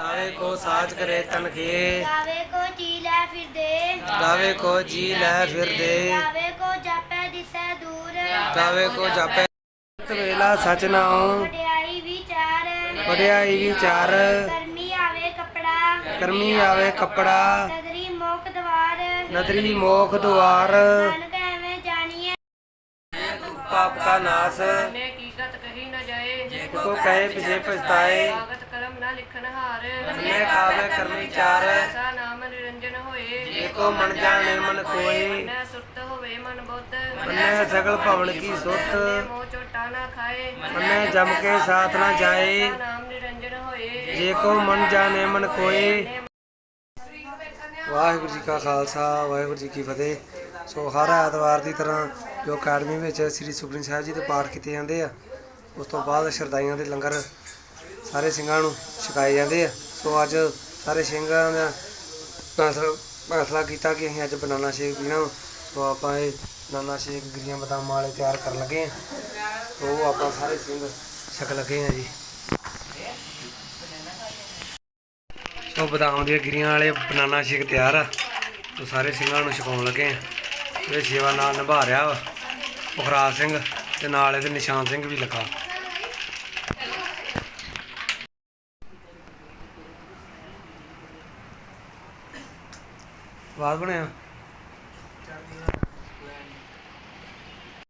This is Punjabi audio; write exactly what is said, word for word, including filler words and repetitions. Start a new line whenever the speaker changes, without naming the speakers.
गावे को साज करे तनखे,
गावे को जी लै फिर दे,
गावे को जी लै फिर दे,
गावे को जापै दिसै दूर,
गावे को जापै वेला सच नाओ,
वडियाई विचार,
वडियाई विचार,
करमी आवे कपड़ा,
करमी आवे कपड़ा,
नदरी मोख द्वार,
नदरी मोख द्वार,
नानक एवें जानिए
पाप का नाश,
ने कीकत कही न जाए,
को कहे पिछे पछताए,
कागत कलम न लिखन हार,
मैं कावे कर्मी चार,
सा नाम निरंजन होए,
एको मन जाने मन कोय,
न सुरत होवे मन बुद्ध,
मन्ने सगल भवन की सुत,
मोह चोटा न खाए,
मन्ने जम के साथ न जाए,
सा नाम निरंजन होए,
जेको मन जाने मन कोय। ਵਾਹਿਗੁਰੂ ਜੀ ਕਾ ਖਾਲਸਾ ਵਾਹਿਗੁਰੂ ਜੀ ਕੀ ਫਤਿਹ। ਸੋ ਹਰ ਐਤਵਾਰ ਦੀ ਤਰ੍ਹਾਂ ਜੋ ਅਕੈਡਮੀ ਵਿੱਚ ਸ੍ਰੀ ਸੁਖਮਨੀ ਸਾਹਿਬ ਜੀ ਦੇ ਪਾਠ ਕੀਤੇ ਜਾਂਦੇ ਆ, ਉਸ ਤੋਂ ਬਾਅਦ ਸ਼ਰਦਾਈਆਂ ਦੇ ਲੰਗਰ ਸਾਰੇ ਸਿੰਘਾਂ ਨੂੰ ਛਕਾਏ ਜਾਂਦੇ ਆ। ਸੋ ਅੱਜ ਸਾਰੇ ਸਿੰਘਾਂ ਦਾ ਫੈਸਲਾ ਫੈਸਲਾ ਕੀਤਾ ਕਿ ਅਸੀਂ ਅੱਜ ਬਨਾਨਾ ਸ਼ੇਕ ਪੀਣਾ। ਸੋ ਆਪਾਂ ਇਹ ਬਨਾਨਾ ਸ਼ੇਕ ਗਿਰੀਆਂ ਬਦਾਮਾਂ ਵਾਲੇ ਤਿਆਰ ਕਰਨ ਲੱਗੇ ਹਾਂ। ਸੋ ਉਹ ਆਪਾਂ ਸਾਰੇ ਸਿੰਘ ਛਕ ਲੱਗੇ ਹਾਂ ਜੀ। ਸੋ ਬਦਾਮ ਦੀਆਂ ਗਿਰੀਆਂ ਵਾਲੇ ਬਨਾਨਾ ਸ਼ੇਕ ਤਿਆਰ ਆ। ਸੋ ਸਾਰੇ ਸਿੰਘਾਂ ਨੂੰ ਛਕਾਉਣ ਲੱਗੇ ਆ। ਇਹ ਸੇਵਾ ਨਾਲ ਨਿਭਾ ਰਿਹਾ ਵਾ ਪੁਖਰਾਜ ਸਿੰਘ ਤੇ ਨਾਲ ਇਹਦੇ ਨਿਸ਼ਾਨ ਸਿੰਘ ਵੀ ਲੱਗਾ। ਬਾਤ ਬਣਿਆ